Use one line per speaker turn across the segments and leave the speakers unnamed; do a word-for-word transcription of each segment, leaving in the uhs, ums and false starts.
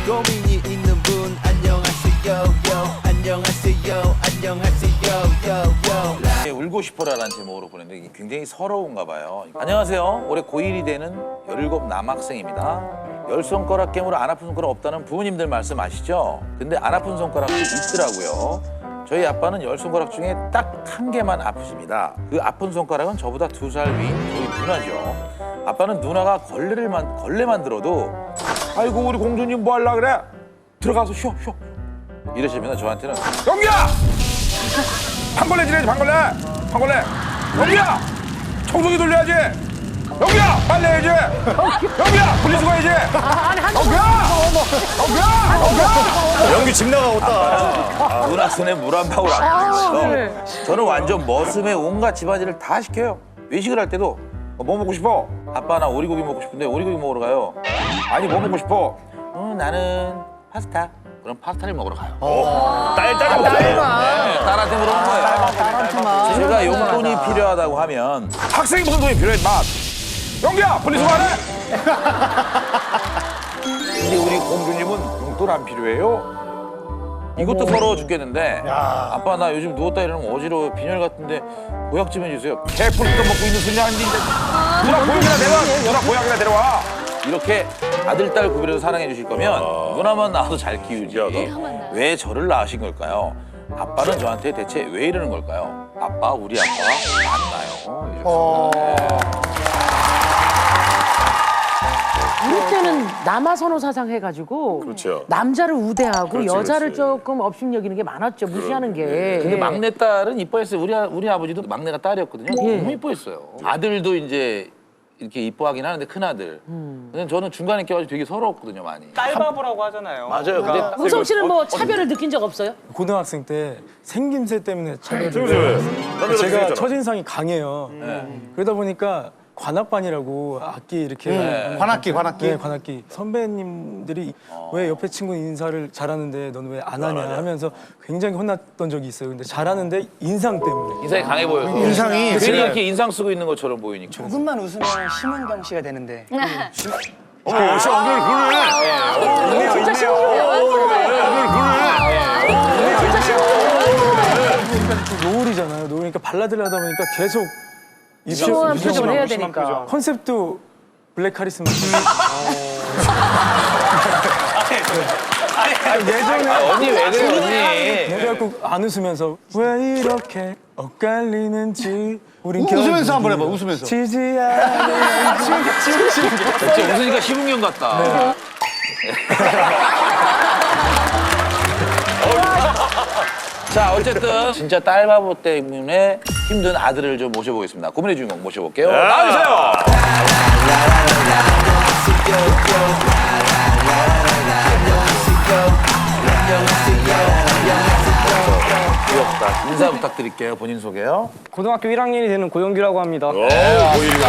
고민이 있는 분 안녕하세요 요 안녕하세요 안녕하세요 요
울고 싶어라라는 제목으로 보냈는데 이게 굉장히 서러운가 봐요. 안녕하세요. 올해 고일이 되는 열일곱 남학생입니다. 열 손가락 깨물어 안 아픈 손가락 없다는 부모님들 말씀 아시죠? 근데 안 아픈 손가락도 있더라고요. 저희 아빠는 열 손가락 중에 딱 한 개만 아프십니다. 그 아픈 손가락은 저보다 두 살 위인 저희 누나죠. 아빠는 누나가 걸레를 만, 걸레만 들어도 아이고 우리 공주님 뭐 하려 그래? 들어가서 쉬어 쉬어 이러시면 저한테는 영기야! 판걸레 지내야지 판걸레! 판걸레! 영기야! 청소기 돌려야지! 영기야! 빨래해야지! 영기야! 분리수거 해야지! 영기야! 영기야! 영기야!
연기 집 나가겠다.
누나 손에 물 한 방울 안 묻었어. 저는 완전 머슴에 온갖 집안일을 다 시켜요. 외식을 할 때도 어, 뭐 먹고 싶어? 아빠 나 오리고기 먹고 싶은데 오리고기 먹으러 가요. 아니 뭐 먹고 싶어? 어, 나는 파스타. 그럼 파스타를 먹으러 가요.
딸, 딸, 딸.
네, 딸한테 물어본 거예요. 제가 용돈이 필요하다고 하면 학생이 무슨 돈이 필요해, 마. 영기야, 분리수거 안 해? 근데 우리 공주님은 용돈 안 필요해요? 이것도 서러워 죽겠는데 아빠 나 요즘 누웠다 일어나면 어지러워 빈혈 같은데 보약 좀 해주세요. 개뿔 뜯어먹고 있는 소리 아닌데 누나 보약이나 데려와. 누나 보약이나 데려와. 이렇게 아들, 딸 구별해서 사랑해 주실 거면 누나만 낳아도 잘 키우지. 왜 저를 낳으신 걸까요? 아빠는 저한테 대체 왜 이러는 걸까요? 아빠, 우리 아빠 만나요. 이렇게.
우리 때는 남아선호 사상 해가지고
그렇죠.
남자를 우대하고
그렇지,
여자를
그렇지.
조금 업신여기는 게 많았죠. 무시하는 게.
근데 막내딸은 이뻐했어요. 우리, 아- 우리 아버지도 막내가 딸이었거든요.
예.
너무 이뻐했어요. 아들도 이제 이렇게 이뻐하긴 하는데 큰아들. 근데 저는 중간에 껴가지고 되게 서러웠거든요, 많이.
딸바보라고 하잖아요.
맞아요. 근데
우성 씨는 뭐 차별을 느낀 적 없어요?
고등학생 때 생김새 때문에 차별을
지금 왜?
제가
제가
첫인상이 강해요. 그러다 보니까 관악반이라고 악기 이렇게
관악기, 관악기.
네, 관악기 선배님들이 왜 옆에 친구 인사를 잘하는데 너는 왜 안 하냐 하면서 굉장히 혼났던 적이 있어요. 근데 잘하는데 인상 때문에.
인상이 강해 보여서.
인상이
괜히 이렇게 인상 쓰고 있는 것처럼 보이니까.
조금만 웃으면 심은경 씨가 되는데.
어, 씨, 엉덩이 그러네.
진짜 신기해요.
노을이잖아요. 노을이니까 발라드를 하다 보니까 계속
심오한
유시원
표정을 해야
심한
되니까.
표정.
컨셉도 블랙 카리스마. 예전에
언니 왜 그래, 언니?
그래갖고 안 웃으면서 왜 이렇게 엇갈리는지 우린
웃으면서 한번 해봐, 웃으면서.
지지 않아.
진짜 웃으니까 심은경 같다. 자, 어쨌든 진짜 딸바보 때문에 힘든 아들을 좀 모셔보겠습니다. 고민의 주인공 모셔볼게요. 나와주세요. 귀엽다. 인사 부탁드릴게요. 본인 소개요.
고등학교 일 학년이 되는 고영규라고 합니다.
오, 보이가.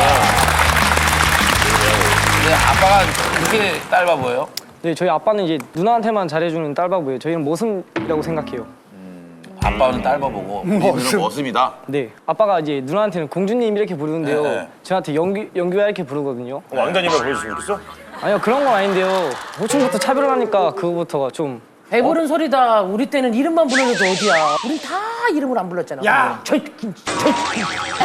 네, 아빠가 그렇게 딸바보예요?
네, 저희 아빠는 이제 누나한테만 잘해주는 딸바보예요. 저희는 모습이라고 생각해요.
아빠는 딸바보고 본인은 머슴이다.
네, 아빠가 이제 누나한테는 공주님 이렇게 부르는데요.
네, 네.
저한테 영규, 영규야 이렇게 부르거든요.
왕자님을 보여주시면 좋겠어?
아니요, 그런 건 아닌데요. 호칭부터 차별을 하니까 그거부터가 좀.
배부른 소리다. 우리 때는 이름만 불러도 어디야. 우린 다 이름을 안 불렀잖아. 야! 저, 저, 저.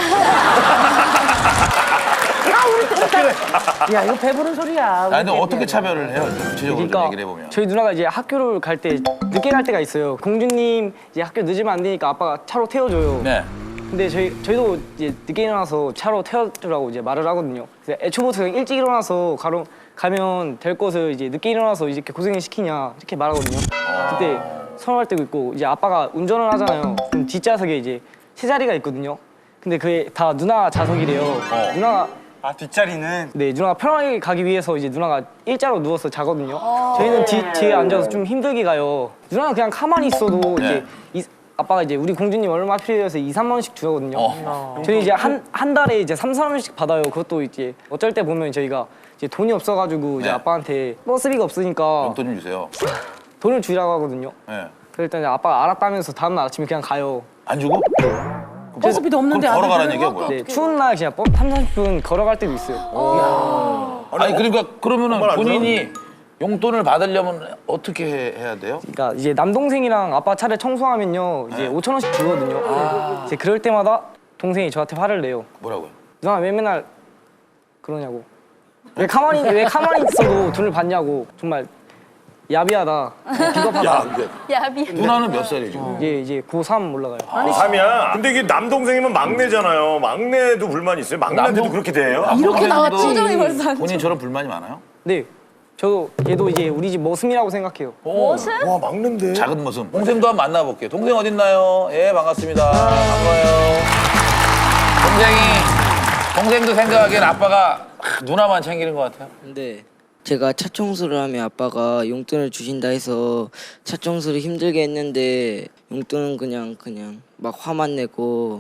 아, 우리 때는 다. 야, 이거 배부른 소리야.
아, 근데
우리
어떻게
때는.
차별을 해요? 구체적으로 좀
그러니까
얘기를 해보면.
저희 누나가 이제 학교를 갈 때 늦게 갈 때가 있어요. 공주님 이제 학교 늦으면 안 되니까 아빠가 차로 태워줘요.
네.
근데 저희 저희도 이제 늦게 일어나서 차로 태워주라고 이제 말을 하거든요. 그래서 애초부터 그냥 일찍 일어나서 가로 가면 될 것을 이제 늦게 일어나서 이렇게 고생을 시키냐 이렇게 말하거든요. 그때 서운할 때도 있고 이제 아빠가 운전을 하잖아요. 그럼 뒷좌석에 이제 세 자리가 있거든요. 근데 그게 다 누나 좌석이래요. 누나가
아, 뒷자리는.
네, 누나가 편하게 가기 위해서 이제 누나가 일자로 누워서 자거든요. 저희는 뒤, 뒤에 앉아서 좀 힘들게 가요. 누나는 그냥 가만히 있어도 이제 이, 아빠가 이제 우리 공주님 얼마 필요해서 이, 삼만 원씩 주거든요.
어.
저희 이제 한, 한 달에 이제 삼, 사 원씩 받아요. 그것도 이제 어쩔 때 보면 저희가 이제 돈이 없어가지고 이제
네.
아빠한테 버스비가 없으니까
용돈 좀 주세요.
돈을 주라고 하거든요.
네.
그랬더니 아빠가 알았다면서 다음날 아침에 그냥 가요.
안 주고?
버스비도 없는데
그럼 걸어가라는
아들을
얘기야,
뭐?
뭐야?
네, 추운 날 그냥 삼, 사십 분 걸어갈 때도 있어요.
아니, 그러니까 그러면은 본인이 용돈을 받으려면 어떻게 해- 해야 돼요?
그러니까 이제 남동생이랑 아빠 차를 청소하면요 이제 오천 원씩 주거든요. 이제 그럴 때마다 동생이 저한테 화를 내요.
뭐라고요?
누나 왜 맨날 그러냐고. 왜 가만히 왜 가만히 있어도 돈을 받냐고. 정말 야비하다. 비겁하다.
야비.
누나는 몇 살이죠?
이제 이제 고삼 올라가요.
삼이야. 근데 이게 남동생이면 막내잖아요. 막내도 불만이 있어요? 막내한테도
남동-
그렇게 돼요?
이렇게 나왔지.
표정이 벌써 안
본인처럼 불만이 많아요?
네. 저도 얘도 이제 우리 집 머슴이라고 생각해요.
무엇을?
와, 막내인데.
작은 모습. 동생도 한번 만나볼게요. 동생 어딨나요? 예, 반갑습니다. 반가워요. 동생이, 동생도 생각하기엔 아빠가 누나만 챙기는 것 같아요.
근데 제가 차 청소를 하면 아빠가 용돈을 주신다 해서 차 청소를 힘들게 했는데 용돈은 그냥 그냥 막 화만 내고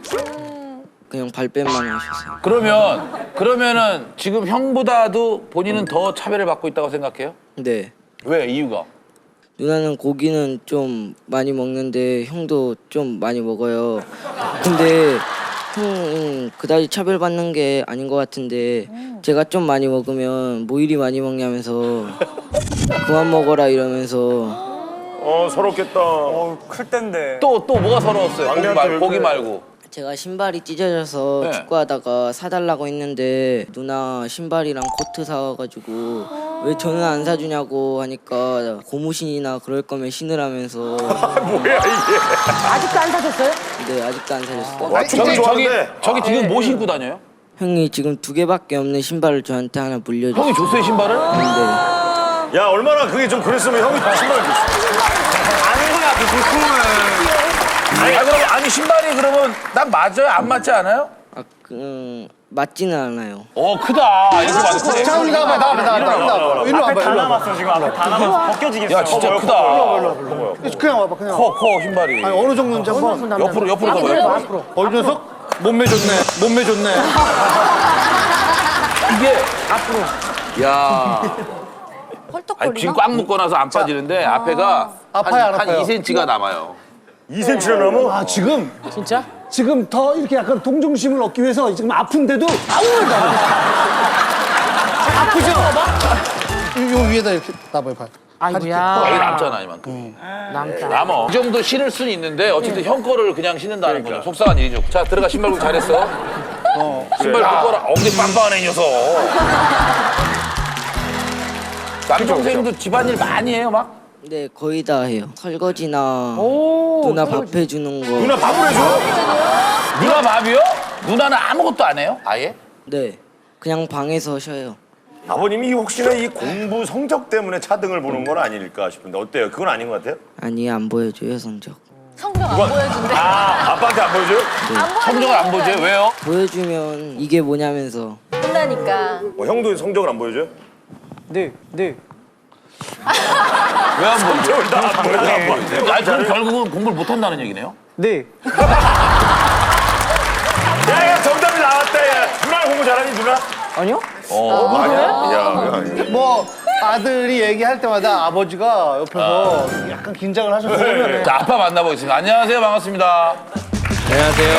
그냥 발뺌만 하셨어요.
그러면, 그러면은 지금 형보다도 본인은 더 차별을 받고 있다고 생각해요?
네.
왜? 이유가?
누나는 고기는 좀 많이 먹는데 형도 좀 많이 먹어요. 근데 형은 그다지 차별받는 게 아닌 것 같은데 제가 좀 많이 먹으면 뭐 이리 많이 먹냐면서 그만 먹어라 이러면서
어, 서럽겠다.
어, 클 땐데.
또, 또 뭐가 서러웠어요? 고기,
막내한테
말,
왜
고기
그래?
말고.
제가 신발이 찢어져서
네.
축구하다가 사달라고 했는데 누나 신발이랑 코트 사와가지고 왜 저는 안 사주냐고 하니까 고무신이나 그럴 거면 신으라면서
뭐야, 이게.
아직도 안 사셨어요?
네 아직도 안 사줬어요.
와,
저기, 저기,
좋아하는데.
저기 지금 뭐 신고 다녀요?
형이 지금 두 개밖에 없는 신발을 저한테 하나 물려줬어요.
형이 줬어요, 신발을?
네.
야, 얼마나 그게 좀 그랬으면 형이 신발 줬어.
아는 거야, 그 고통을.
아니, 아, 그럼, 아니, 신발이 그러면 난 맞아요? 안 맞지 않아요?
아, 그, 음, 맞지는 않아요.
어, 크다. 이렇게 맞네
자, 우리 나와봐, 나와봐, 나와봐, 나와봐. 일로 와봐,
다
일로 와봐.
남았어 지금 앞에 다 남았어. 벗겨지겠어.
야, 진짜
커,
크다.
그냥 와봐, 그냥.
커, 커, 신발이.
아니, 어느 정도인지 한번.
옆으로, 옆으로 가봐요.
앞으로,
옆으로.
앞으로.
어, 이 녀석? 몸매 좋네, 몸매 좋네.
이게,
앞으로.
야
헐떡거리나?
아니, 지금 꽉 묶어놔서 안 빠지는데 앞에가
아파요, 안
한, 한
아파요?
이 센티미터가 남아요.
이 센티미터나 넘어?
아, 지금,
진짜?
지금 더 이렇게 약간 동정심을 얻기 위해서 지금 아픈데도 아무 말도 안 해. 아프죠? 요, 요 위에다 이렇게 놔봐요, 봐요.
여기
아이고야.
남잖아, 이만큼.
남자.
남어. 이 정도 신을 수는 있는데 어쨌든 형 거를 그냥 신는다는 거죠. 속상한 일이죠. 자, 들어가. 신발 굽기 잘했어. 신발 묶어라. 엉덩이 빵빵하네, 이 녀석. 남동생도 집안일 많이 해요, 막?
네 거의 다 해요. 설거지나
오.
누나 밥 해주는 거.
누나 밥을 해줘?
누나 밥이요? 누나는 아무것도 안 해요? 아예?
네 그냥 방에서 쉬어요.
아버님이 혹시나 이 공부 성적 때문에 차등을 보는 건 아닐까 싶은데 어때요? 그건 아닌 것 같아요?
아니 안 보여줘요 성적.
성적 안 보여준대.
아, 아빠한테 안 보여줘요?
안
성적을 안 보죠? 왜요?
보여주면 이게 뭐냐면서.
본다니까.
어, 형도 성적을 안 보여줘요?
네, 네.
왜 안 보죠?
성적을 다 안 보여줘, 안 보여줘.
아니, 그럼 결국은 공부를 못 한다는 얘기네요?
네.
야, 야, 정답이 나왔다, 야. 누나 공부 잘하니, 누나?
아니요?
어,
아니야. 야, 야.
뭐, 아들이 얘기할 때마다 아버지가 옆에서 약간 긴장을 하셨어요.
자, 아빠 만나보겠습니다. 안녕하세요. 반갑습니다. 안녕하세요.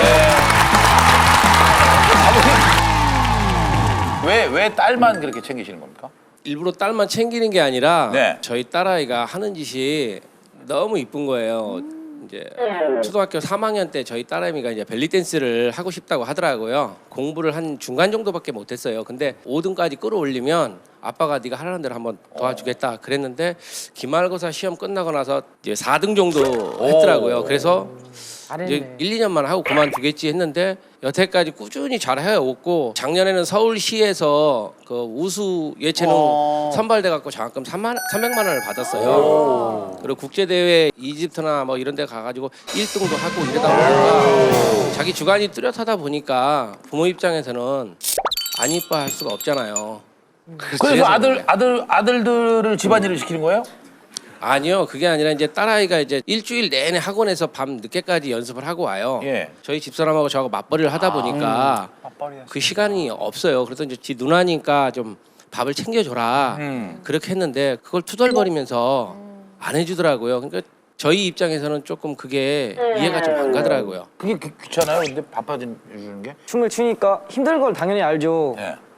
아버님, 왜, 왜 딸만 그렇게 챙기시는 겁니까?
일부러 딸만 챙기는 게 아니라
네.
저희 딸아이가 하는 짓이 너무 이쁜 거예요. 이제 초등학교 삼 학년 때 저희 딸아이가 이제 벨리 댄스를 하고 싶다고 하더라고요. 공부를 한 중간 정도밖에 못했어요. 근데 오 등까지 끌어올리면 아빠가 네가 하라는 대로 한번 도와주겠다 그랬는데 기말고사 시험 끝나고 나서 이제 사 등 정도 했더라고요. 그래서 이제 일, 이 년만 하고 그만두겠지 했는데 여태까지 꾸준히 잘 해왔고 작년에는 서울시에서 그 우수 예체능 선발돼 갖고 장학금 삼백만 원을 받았어요. 그리고 국제대회 이집트나 뭐 이런 데 가가지고 일 등도 하고 이러다 보니까 자기 주관이 뚜렷하다 보니까 부모 입장에서는 안 이뻐할 수가 없잖아요.
그래서 아들, 아들, 아들들을 집안일을 시키는 거예요?
아니요, 그게 아니라 이제 딸아이가 이제 일주일 내내 학원에서 밤 늦게까지 연습을 하고 와요.
예.
저희 집사람하고 저하고 맞벌이를 하다 보니까 그 시간이 없어요. 그래서 이제 지 누나니까 좀 밥을 챙겨줘라
음.
그렇게 했는데 그걸 투덜거리면서 안 해주더라고요. 그러니까 저희 입장에서는 조금 그게 이해가 좀 안 가더라고요.
그게 귀- 귀찮아요? 근데 바빠진 주는 게?
춤을 추니까 힘든 걸 당연히 알죠.
예.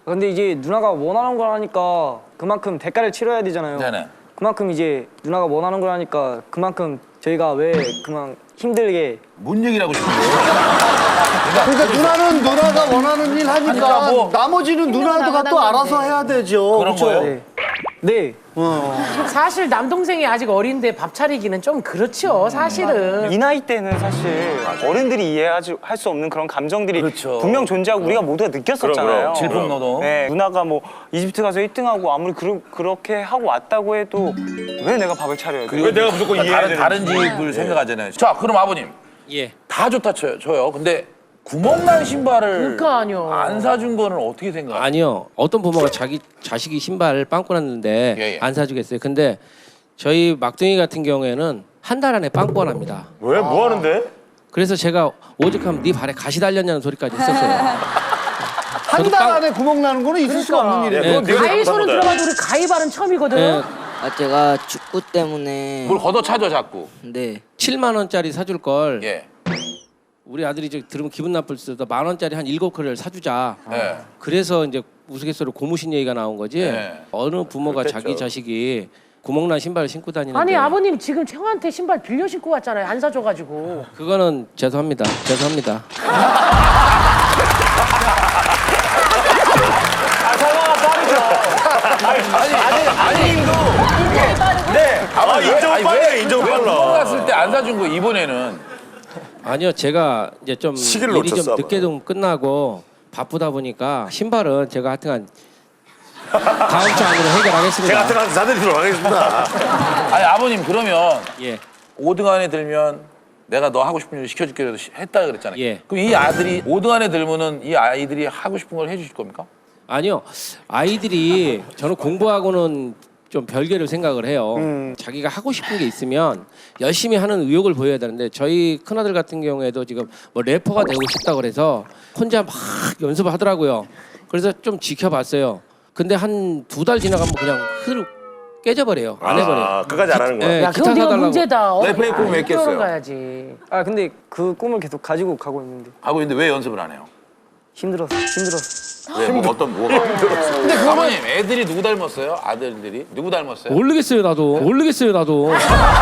근데 이제 누나가 원하는 걸 하니까 그만큼 대가를 치러야 되잖아요.
네네.
그만큼 이제 누나가 원하는 걸 하니까 그만큼 저희가 왜 그만 힘들게
뭔 얘기를 하고 싶은데?
그러니까 누나는 누나가 원하는 일 하니까
그러니까 뭐
나머지는 누나가 또 알아서 해야 되죠.
그런
그쵸?
거예요?
네. 네.
사실 남동생이 아직 어린데 밥 차리기는 좀 그렇죠, 사실은.
이 나이 때는 사실 어른들이 이해하지 할 수 없는 그런 감정들이
그렇죠.
분명 존재하고 우리가 모두가 느꼈었잖아요.
그럼, 그럼.
질풍노동.
네, 누나가 뭐 이집트 가서 일 등하고 아무리 그러, 그렇게 하고 왔다고 해도 왜 내가 밥을 차려야 돼?
그리고
왜 내가 무조건 이해해야
다른, 다른
되는지.
집을 생각하잖아요. 자, 그럼 아버님
예.
다 좋다 쳐요. 쳐요. 근데 구멍난 신발을
그러니까요.
안 사준 거는 어떻게 생각해요?
아니요. 어떤 부모가 자기 자식이 신발 빵꾸 났는데
예, 예.
안 사주겠어요. 근데 저희 막둥이 같은 경우에는 한 달 안에 빵꾸가 납니다.
왜? 뭐 하는데?
그래서 제가 오죽하면 네 발에 가시 달렸냐는 소리까지 했었어요.
한
저도
달
빵-
안에 구멍 나는 거는 있을 수가 없는 일이에요.
네,
그건 네가
가위손은
잘못한 거다.
들어가도 우리 가위발은 처음이거든.
예,
아 제가 축구 때문에
뭘 걷어 차죠 자꾸.
네.
칠만 원짜리 사줄 걸
예.
우리 아들이 이제 들으면 기분 나쁠 수도 만 원짜리 한 일곱 컬을 사주자.
예.
그래서 이제 우스갯소리로 고무신 얘기가 나온 거지.
네.
어느 부모가
그렇겠죠.
자기 자식이 구멍난 신발을 신고 다니는데
아니 아버님 지금 형한테 신발 빌려 신고 왔잖아요. 안 사줘가지고.
그거는 죄송합니다. 죄송합니다.
아니 아니 아님도
네. 아, 인정 빨라, 인정
구멍
빨라.
났을 때 안 사준 거 이번에는
아니요, 제가 이제 좀
시기를
일이 좀
놓쳤어,
늦게 좀 끝나고 바쁘다 보니까 신발은 제가 하여튼간 다음 주 안으로 해결하겠습니다.
제가 같은 한 사드리도록 하겠습니다.
아니 아버님 그러면
예,
오 등 안에 들면 내가 너 하고 싶은 일 시켜줄게 해서 했다 그랬잖아요.
예.
그럼 이 아들이 오 등 안에 들면은 이 아이들이 하고 싶은 걸 해주실 겁니까?
아니요, 아이들이 저는 공부하고는 좀 별개로 생각을 해요. 자기가 하고 싶은 게 있으면 열심히 하는 의욕을 보여야 되는데 저희 큰아들 같은 경우에도 지금 뭐 래퍼가 되고 싶다고 그래서 혼자 막 연습을 하더라고요. 그래서 좀 지켜봤어요. 근데 한 두 달 지나가면 그냥 흐르 깨져버려요. 안 해버려요.
아, 끝까지 안 하는 거야.
예,
야
기타
그건 네가
사달라고.
문제다. 어,
래퍼의 꿈을 왜 깼어요?
가야지.
아 근데 그 꿈을 계속 가지고 가고 있는데
하고 있는데 왜 연습을 안 해요?
힘들었어. 힘들었어.
왜? 뭐 어떤 뭐가? 근데 아버님 애들이 누구 닮았어요? 아들들이 누구 닮았어요?
모르겠어요 나도. 모르겠어요 나도.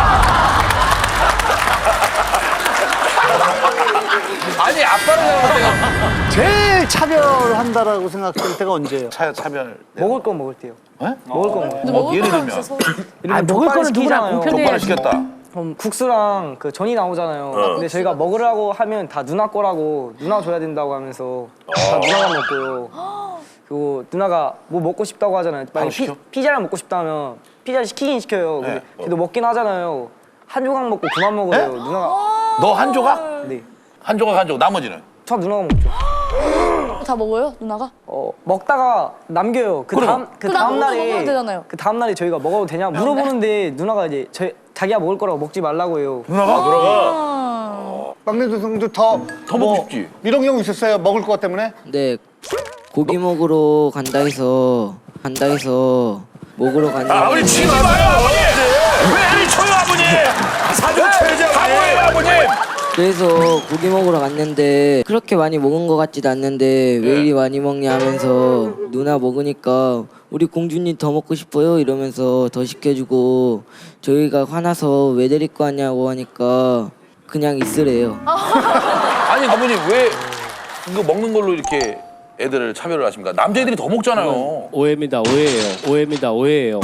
아니 아빠를 닮은 때가
제일 차별한다라고 생각할 때가 언제예요?
차, 차별.
먹을 거 먹을 때요.
네?
먹을 거 먹을 때.
어, 예를 들면
아 먹을 거는 누구나
시키잖아요.
공편해.
족발을 시켰다.
그럼 국수랑 그 전이 나오잖아요. 근데 저희가 먹으라고 하면 다 누나 거라고 누나 줘야 된다고 하면서 다 누나가 먹고요. 그리고 누나가 뭐 먹고 싶다고 하잖아요. 만약 피,
시켜?
피자를 먹고 싶다면 피자 시키긴 시켜요. 근데 걔도 먹긴 하잖아요. 한 조각 먹고 그만 먹어요. 누나가
너 한 조각?
네.
한 조각 한 조각 나머지는?
저 누나가 먹죠.
다 먹어요, 누나가?
어 먹다가 남겨요. 그
그럼.
다음 그
그
다음
남은 거 먹으면
날에
되잖아요.
그 다음 날에 저희가 먹어도 되냐 물어보는데 누나가 이제 저희 자기가 먹을 거라고 먹지 말라고 해요.
누나가?
들어가.
막내 동생도 더
더 먹고 싶지.
이런 경우 있었어요. 먹을 것 때문에?
네. 고기 먹으러 간다 해서 간다 해서 먹으러 갔는데
아버님 치지 마요, 아버님. 왜 애를 쳐요, 아버님? 사전 쳐야지, 아버님. 아버님.
그래서 고기 먹으러 갔는데 그렇게 많이 먹은 것 같지도 않는데 왜 이리 많이 먹냐 하면서 누나 먹으니까 우리 공주님 더 먹고 싶어요 이러면서 더 시켜주고 저희가 화나서 왜 데리고 왔냐고 하니까 그냥 있으래요.
아니 아버님 왜 이거 먹는 걸로 이렇게 애들을 차별을 하십니까? 남자애들이 더 먹잖아요.
오해입니다. 오해예요. 오해입니다. 오해예요.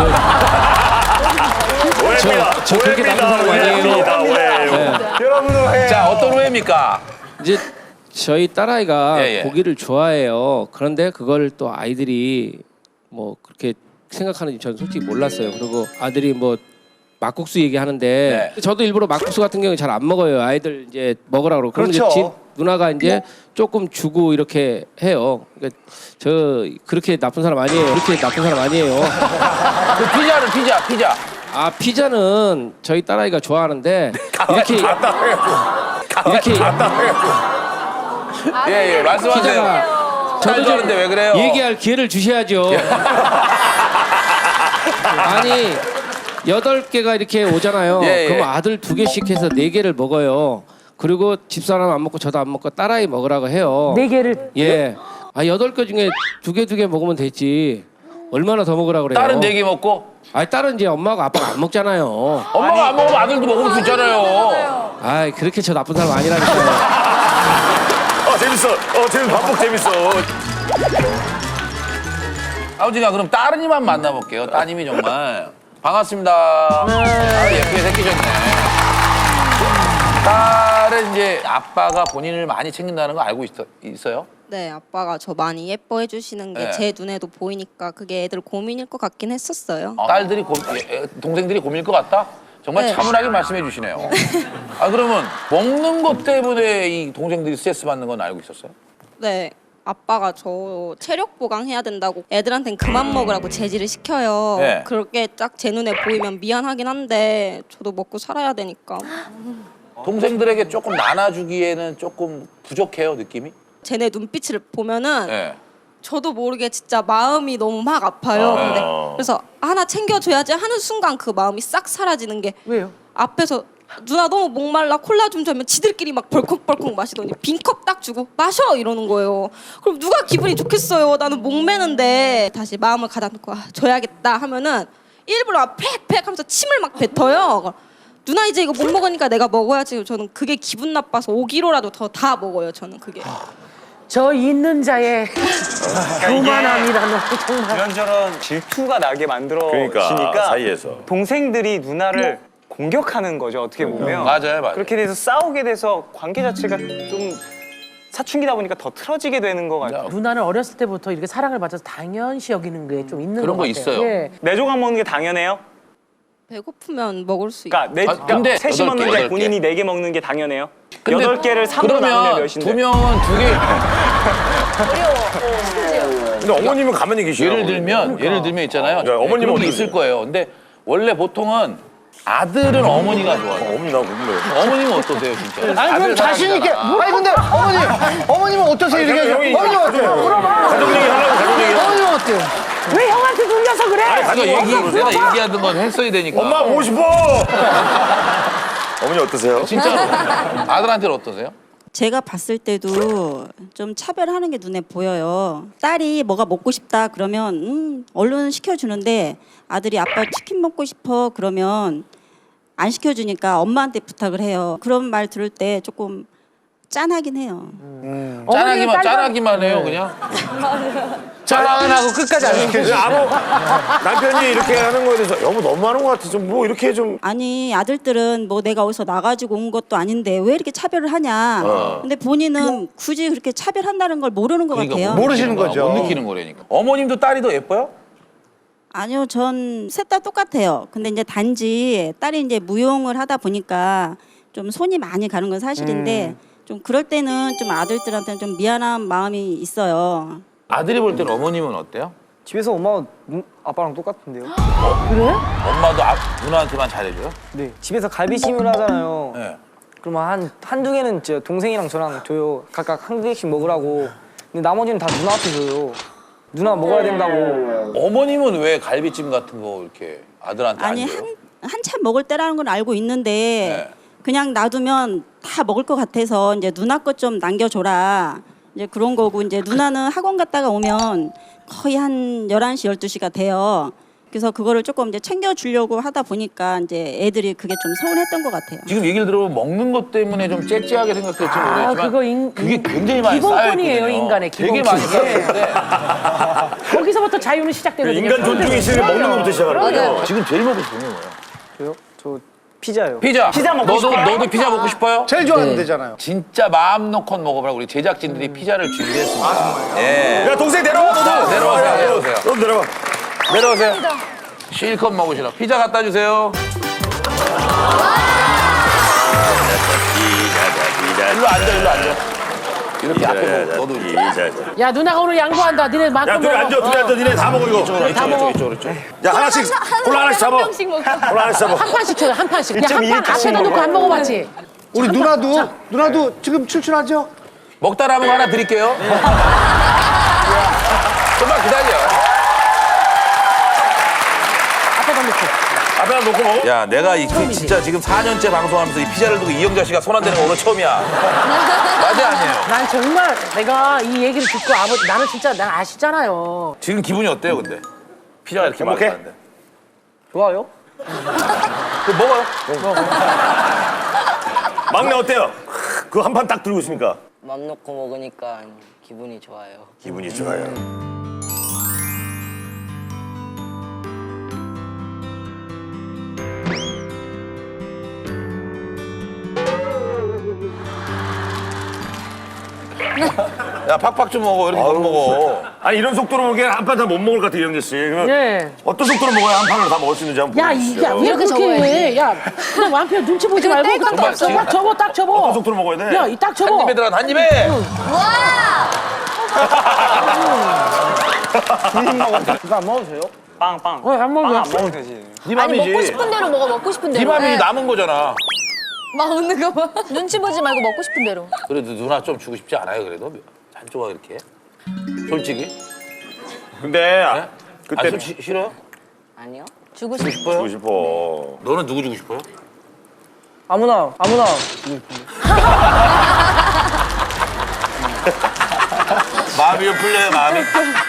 오해입니다.
저- 저 그렇게 나쁜 사람 아니에요.
오해입니다. 오해예요. 여러분 오해.
자 어떤 오해입니까?
이제 저희 딸아이가
예, 예.
고기를 좋아해요. 그런데 그걸 또 아이들이 뭐 그렇게 생각하는지 저는 솔직히 몰랐어요. 그리고 아들이 뭐 막국수 얘기하는데
네.
저도 일부러 막국수 같은 경우 잘 안 먹어요. 아이들 이제 먹으라 그러고. 그럼 이제
그렇죠.
집 누나가 이제 조금 주고 이렇게 해요. 그러니까 저 그렇게 나쁜 사람 아니에요. 그렇게 나쁜 사람 아니에요.
그 피자는 피자 피자.
아 피자는 저희 딸아이가 좋아하는데 이렇게 이렇게
예예 말씀하세요.
피자가
저도
좀
하는데 왜 그래요?
얘기할 기회를 주셔야죠. 아니 여덟 개가 이렇게 오잖아요.
예, 예.
그럼 아들 두 개씩 해서 네 개를 먹어요. 그리고 집사람 안 먹고 저도 안 먹고 딸아이 먹으라고 해요.
네 개를.
예. 아 여덟 개 중에 두 개 두 개 먹으면 되지. 얼마나 더 먹으라 그래요?
딸은 네 개 먹고
아니 딸은 이제 엄마가 아빠가 안 먹잖아요.
엄마가 안 먹으면 아들도 먹을 수 있잖아요.
아 그렇게 저 나쁜 사람 아니라니까요.
어 재밌어. 어 재밌 반복 재밌어.
아버지가 그럼 따님만 만나볼게요. 따님이 정말 반갑습니다. 아, 예쁘게 생기셨네. 딸은 이제 아빠가 본인을 많이 챙긴다는 거 알고 있어, 있어요?
네, 아빠가 저 많이 예뻐해 주시는 게
네.
제 눈에도 보이니까 그게 애들 고민일 것 같긴 했었어요.
어, 딸들이 고, 예, 동생들이 고민일 것 같다? 정말
네.
차분하게 말씀해 주시네요. 아 그러면 먹는 것 때문에 이 동생들이 스트레스 받는 건 알고 있었어요?
네, 아빠가 저 체력 보강해야 된다고 애들한텐 그만 먹으라고 제지를 시켜요.
네.
그렇게 딱 제 눈에 보이면 미안하긴 한데 저도 먹고 살아야 되니까.
동생들에게 조금 나눠주기에는 조금 부족해요, 느낌이?
쟤네 눈빛을 보면은
네.
저도 모르게 진짜 마음이 너무 막 아파요.
아.
근데 그래서 하나 챙겨줘야지 하는 순간 그 마음이 싹 사라지는 게
왜요?
앞에서 누나 너무 목말라 콜라 좀 주면 지들끼리 막 벌컥벌컥 마시더니 빈 컵 딱 주고 마셔 이러는 거예요. 그럼 누가 기분이 좋겠어요. 나는 목매는데 다시 마음을 가다놓고 아, 줘야겠다 하면은 일부러 막 팩팩 하면서 침을 막 뱉어요. 누나 이제 이거 못 먹으니까 내가 먹어야지. 저는 그게 기분 나빠서 오 킬로라도 더 다 먹어요. 저는 그게.
저 있는 자의 교만함이라는 정말.
이런저런 질투가 나게 만들어지니까
그러니까 사이에서.
동생들이 누나를 공격하는 거죠. 어떻게 보면.
맞아요, 맞아요.
그렇게 돼서 싸우게 돼서 관계 자체가 좀 사춘기다 보니까 더 틀어지게 되는 것 같아요.
누나는 어렸을 때부터 이렇게 사랑을 받아서 당연시 여기는 게 좀 있는
그런
것
거
같아요.
있어요.
예.
네 조각 먹는 게 당연해요?
배고프면 먹을 수 있고.
그러니까, 네,
아,
그러니까
근데
셋이
여덟 개,
먹는데
여덟 개.
본인이 네 개 먹는 게 당연해요?
근데
여덟 개를 삼으로 나누면
그러면
몇인데?
두 명은 두 개.
근데 어머님은 가만히 계시요.
예를 들면 예를 들면 있잖아요.
네, 어머님은
그런 게
어떻게
있을 거예요. 근데 원래 보통은 아들은 어머니가 좋아요.
어머니 나 궁금해요.
어머님은 어떠세요, 진짜?
아니 그럼
아들
자신 있게.
사랑하잖아.
아니 근데 어머님, 어머님은 어떠세요? 이렇게
형이-
어머님 어때요?
가족 얘기 하려고 가족 얘기.
어머님 어때요?
왜 형한테 눌려서 그래?
내가 얘기 내가 얘기하던 건 했어야 되니까.
엄마 보고 싶어. 어머니 어떠세요?
진짜로 아들한테는 어떠세요?
제가 봤을 때도 좀 차별하는 게 눈에 보여요. 딸이 뭐가 먹고 싶다 그러면 음, 얼른 시켜주는데 아들이 아빠 치킨 먹고 싶어 그러면 안 시켜주니까 엄마한테 부탁을 해요. 그런 말 들을 때 조금 짠하긴 해요.
어머니는
짠하기만
딸과-
짠하기만 해요, 그냥.
짠하고 끝까지 안 시켜줘.
아무 남편이 이렇게 하는 거에 대해서 여보 너무하는 것 같아. 좀 뭐 이렇게 좀.
아니 아들들은 뭐 내가 어디서 나가지고 온 것도 아닌데 왜 이렇게 차별을 하냐.
어.
근데 본인은 굳이 그렇게 차별한다는 걸 모르는 것
그러니까
같아요.
못
모르시는
느끼는
거죠.
거야, 못 느끼는 거라니까. 어머님도 딸이 더 예뻐요?
아니요, 전 셋 다 똑같아요. 근데 이제 단지 딸이 이제 무용을 하다 보니까 좀 손이 많이 가는 건 사실인데 좀 그럴 때는 좀 아들들한테는 좀 미안한 마음이 있어요.
아들이 볼 때는 어머님은 어때요?
집에서 엄마가 눈- 아빠랑 똑같은데요?
엄마도 아, 누나한테만 잘해줘요?
네. 집에서 갈비찜을 하잖아요.
네.
그러면 한 한두 개는 제 동생이랑 저랑 줘요. 각각 한 개씩 먹으라고. 근데 나머지는 다 누나한테 줘요. 누나 먹어야 된다고.
어머님은 왜 갈비찜 같은 거 이렇게 아들한테
아니
안 줘요?
한 한참 먹을 때라는 건 알고 있는데
네.
그냥 놔두면 다 먹을 것 같아서 이제 누나 것 좀 남겨줘라. 이제 그런 거고 이제 누나는 학원 갔다가 오면 거의 한 열한 시, 열두 시가 돼요. 그래서 그거를 조금 이제 챙겨주려고 하다 보니까 이제 애들이 그게 좀 서운했던 것 같아요.
지금 얘기를 들어보면 먹는 것 때문에 좀 째째하게 생각될지
아,
모르겠지만
그거 인-
그게 굉장히 많이
기본권이에요,
쌓여있거든요.
인간의
되게
기본권.
많이 쌓여있는데
거기서부터 자유는 시작되거든요.
인간 존중이 있으면 먹는 것부터 시작하는 거예요.
지금 제일 먹고 싶은 게 뭐예요?
저요? 저 피자요.
피자.
피자 먹고
너도,
싶어요?
너도 피자 먹고 싶어요?
제일 좋아하는 데잖아요.
진짜 마음 놓고 먹어보라고 우리 제작진들이 피자를 준비했습니다. 아, 예.
야 동생 내려와 너도.
내려오세요, 내려오세요.
너도 내려와.
내려오세요. 실컷 먹으시라. 피자 갖다 주세요. 일로 앉아, 일로 앉아. 이렇게 앞에 먹어. 너도 이렇게.
야 누나가 오늘 양보한다. 니네 만큼
야 둘이
먹어.
앉아, 둘이 앉아, 니네 다 먹어 이거.
이쪽으로, 이쪽으로, 이쪽으로, 이쪽으로.
야 하나씩, 콜라 하나씩 잡아.
명씩 먹어.
콜라 하나씩 잡아.
한 판씩 쳐요, 한 판씩. 야,
일 점 이
한 판
칸씩
앞에다 놓고
먹어요.
안 먹어봤지?
우리 누나도 누나도 지금 출출하죠?
먹다 남은 거 하나 드릴게요. 좀만 기다려.
앞에다 놓고.
앞에다 놓고 먹어?
야, 내가 이 진짜 지금 사 년째 방송하면서 이 피자를 두고 이영자 씨가 손 안 대는 거 오늘 처음이야. 맞아 아니에요?
난 정말 내가 이 얘기를 듣고 아버지 나는 진짜 난 아시잖아요.
지금 기분이 어때요, 근데? 피자가 이렇게
행복해?
많은데.
좋아요.
그 먹어요.
막내 어때요? 그 한 판 딱 들고 있으니까.
맘 놓고 먹으니까 기분이 좋아요.
기분이 좋아요.
야, 팍팍 좀 먹어. 이렇게 못 먹어.
아니 이런 속도로 먹으면 한 판 다 못 먹을 것 같아 이영재 씨. 그러면
예.
어떤 속도로 먹어야 한 판을 다 먹을 수 있는지 한번
야,
보여주시죠.
이게 왜 그렇게 해? 야, 그냥 완편 눈치 보지 말고
뗄 것도
그냥
없어.
딱 접어, 딱 접어.
어떤 속도로 먹어야 돼?
야, 이 딱 접어.
한 입에 들어간 한 입에.
이거 안 먹어도 돼요? 빵, 빵.
어, 안 먹어.
빵 안 먹어도 되지.
네
아니
맘이지.
먹고 싶은 대로 먹어 먹고 싶은
네
대로.
맘이 남은 거잖아.
막 웃는 거 봐. 눈치 보지 말고 먹고 싶은 대로.
그래도 누나 좀 주고 싶지 않아요, 그래도? 한조가 이렇게. 솔직히.
근데 아,
네?
그때
아, 솔직히 싫어요?
아니요.
주고
주고
싶.
싶어요?
주고 싶어.
너는 누구 주고 싶어요?
아무나, 아무나.
마음이 좀 풀려요, 마음이?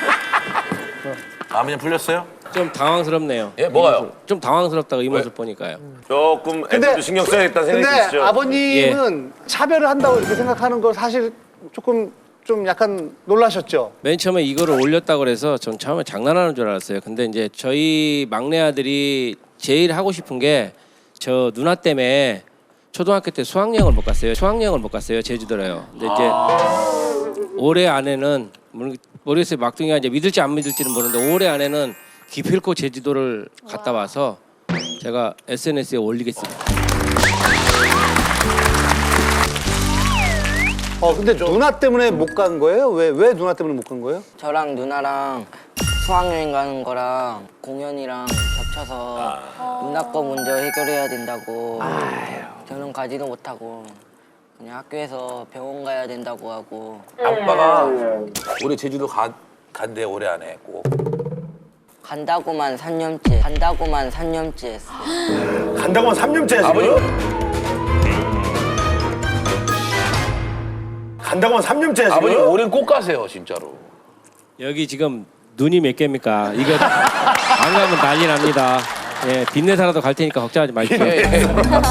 마음이 좀 풀렸어요?
좀 당황스럽네요.
예, 뭐가요?
이 모습. 좀 당황스럽다고 이 모습 보니까요.
조금 애들도 신경 써야겠다는 생각이
근데
드시죠?
아버님은 차별을 한다고 이렇게 생각하는 거 사실 조금 좀 약간 놀라셨죠?
맨 처음에 이거를 올렸다고 그래서 전 처음에 장난하는 줄 알았어요. 근데 이제 저희 막내 아들이 제일 하고 싶은 게 저 누나 때문에 초등학교 때 수학여행을 못 갔어요. 수학여행을 못 갔어요. 제주도로요. 근데 이제 올해 안에는 모르겠어요. 막둥이가 이제 믿을지 안 믿을지는 모르는데 올해 안에는 기필코 제주도를 갔다 와서 제가 에스엔에스에 올리겠습니다.
어 근데 누나 때문에 못 간 거예요? 왜 왜 누나 때문에 못 간 거예요?
저랑 누나랑 수학여행 가는 거랑 공연이랑 겹쳐서 누나 거 먼저 해결해야 된다고. 저는 가지도 못하고 그냥 학교에서 병원 가야 된다고 하고.
아빠가 올해 제주도 가, 간대, 올해 안에 꼭.
간다고만 삼 년째 간다고만 삼 년째 했어.
간다고만 삼 년째야 지금?
아버지?
간다고만 삼 년째야 지금?
아버님 올해는 꼭 가세요, 진짜로.
여기 지금 눈이 몇 개입니까? 이거 안 가면 난리 납니다. 예, 빚내사라도 갈 테니까 걱정하지 마십시오.
예, 예.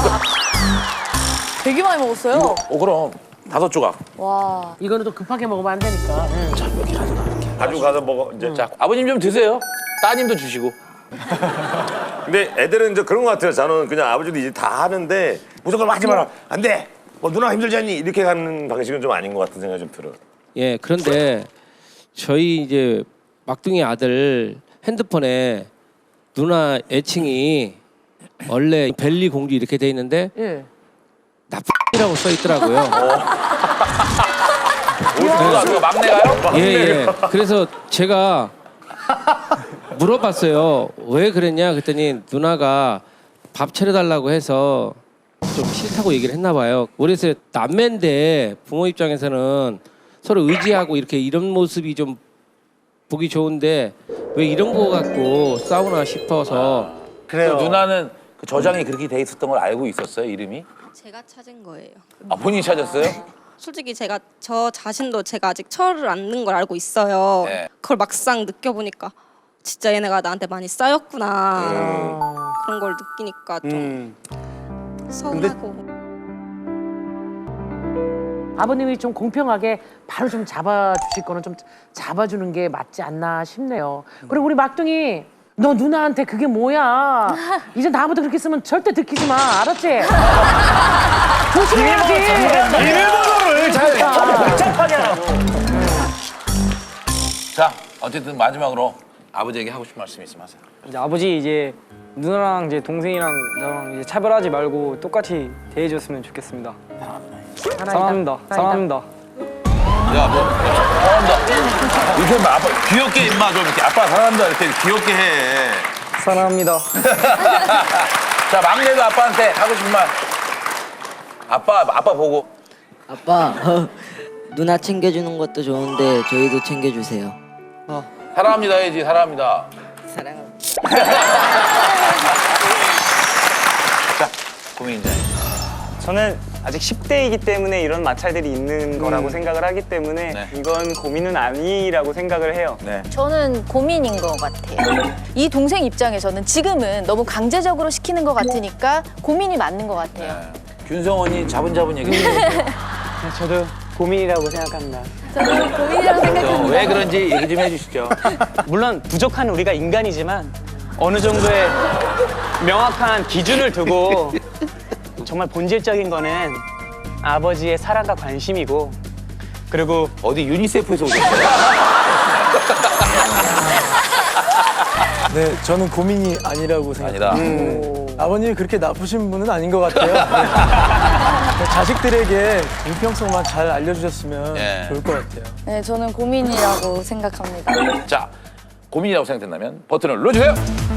되게 많이 먹었어요.
어, 그럼. 다섯 조각.
와.
이거는 또 급하게 먹으면 안 되니까.
가지고 가서 먹어 이제.
자, 아버님 좀 드세요. 따님도 주시고.
근데 애들은 이제 그런 것 같아요. 저는 그냥 아버지도 이제 다 하는데 무조건 하지 마라. 안 돼. 뭐 누나 힘들지 않니? 이렇게 가는 방식은 좀 아닌 것 같은 생각이 좀 들어요.
예, 그런데 저희 이제 막둥이 아들 핸드폰에 누나 애칭이 원래 벨리 공주 이렇게 돼 있는데
예.
나쁘라고 써 있더라고요.
누가 누가 막내가요?
예, 예. 그래서 제가 물어봤어요. 왜 그랬냐? 그랬더니 누나가 밥 차려달라고 해서 좀 싫다고 얘기를 했나 봐요. 그래서 남매인데 부모 입장에서는 서로 의지하고 이렇게 이런 모습이 좀 보기 좋은데 왜 이런 거 갖고 싸우나 싶어서.
그래요. 누나는 그 저장이 그렇게 돼 있었던 걸 알고 있었어요, 이름이?
제가 찾은 거예요.
아, 본인이 찾았어요?
솔직히 제가 저 자신도 제가 아직 철을 안 는 걸 알고 있어요.
네.
그걸 막상 느껴보니까 진짜 얘네가 나한테 많이 쌓였구나.
음.
그런 걸 느끼니까 좀
음.
서운하고.
아버님이 좀 공평하게 바로 좀 잡아주실 거는 좀 잡아주는 게 맞지 않나 싶네요. 그리고 우리 막둥이 너 누나한테 그게 뭐야? 이제 다음부터 그렇게 쓰면 절대 들키지 마. 알았지? 조심해야지.
비밀번호를 잘 복잡하게 하라고.
자, 어쨌든 마지막으로 아버지에게 하고 싶은 말씀 있으면 하세요.
이제 아버지 이제 누나랑 이제 동생이랑 저랑 이제 차별하지 말고 똑같이 대해줬으면 좋겠습니다. 사랑합니다. 사랑합니다.
야, 뭐 사랑한다. 이렇게 하면 아빠 귀엽게 임마 좀 이렇게 아빠 사랑한다 이렇게 귀엽게 해.
사랑합니다.
자, 막내도 아빠한테 하고 싶은 말. 아빠 아빠 보고.
아빠 누나 챙겨주는 것도 좋은데 저희도 챙겨주세요.
사랑합니다 해야지. 사랑합니다.
사랑합니다.
저는 아직 십 대이기 때문에 이런 마찰들이 있는 거라고 생각을 하기 때문에
네.
이건 고민은 아니라고 생각을 해요.
네.
저는 고민인 것 같아요. 이 동생 입장에서는 지금은 너무 강제적으로 시키는 것 같으니까 고민이 맞는 것 같아요.
균성원이 자분자분 얘기해.
저도 고민이라고 생각합니다.
저는 고민이라고 생각합니다.
왜 그런지 얘기 좀 해주시죠.
물론 부족한 우리가 인간이지만 어느 정도의 명확한 기준을 두고 정말 본질적인 거는 아버지의 사랑과 관심이고 그리고
어디 유니세프에서 오셨어요?
네, 저는 고민이 아니라고 생각합니다.
아니다.
네. 아버님이 그렇게 나쁘신 분은 아닌 것 같아요. 네. 자식들에게 공평성만 잘 알려주셨으면
예.
좋을 것 같아요.
네, 저는 고민이라고 생각합니다.
자, 고민이라고 생각된다면 버튼을 눌러주세요.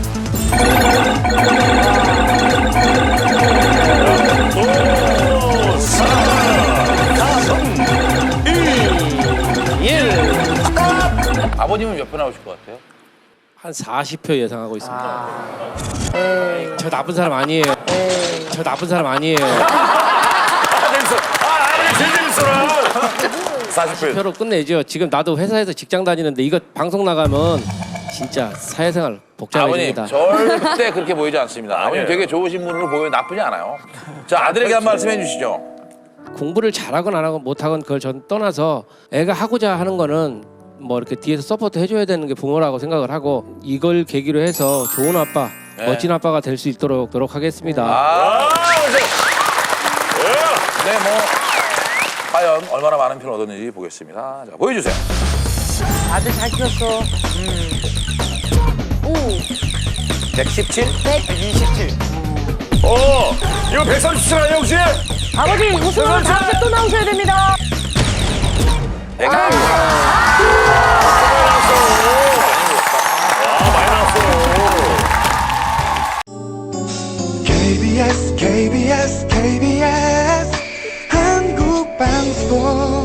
아버님은 몇 분 나오실 것 같아요?
한 사십 표 예상하고 있습니다. 저 나쁜 사람 아니에요. 저 나쁜 사람 아니에요.
아 재밌어. 아 아버지 제일 재밌어라. 사십
표로 끝내죠. 지금 나도 회사에서 직장 다니는데 이거 방송 나가면 진짜 사회생활
아버님
복잡해집니다.
절대 그렇게 보이지 않습니다. 아버님
아니에요.
되게 좋으신 분으로 보여 나쁘지 않아요. 자 아들에게 한 말씀 해주시죠.
공부를 잘하건 안 하건 못하건 그걸 전 떠나서 애가 하고자 하는 거는 뭐 이렇게 뒤에서 서포트 해줘야 되는 게 부모라고 생각을 하고 이걸 계기로 해서 좋은 아빠,
네.
멋진 아빠가 될 수 있도록 노력하겠습니다.
아, 네, 뭐 과연 얼마나 많은 표를 얻었는지 보겠습니다. 자, 보여주세요.
아들 잘 키웠어.
백십칠?
이십칠.
어 이거 백삼십칠 아니야 혹시?
아버지 우승하면 다음 주에 또 나오셔야 됩니다.
케이비에스 케이비에스 케이비에스 한국방송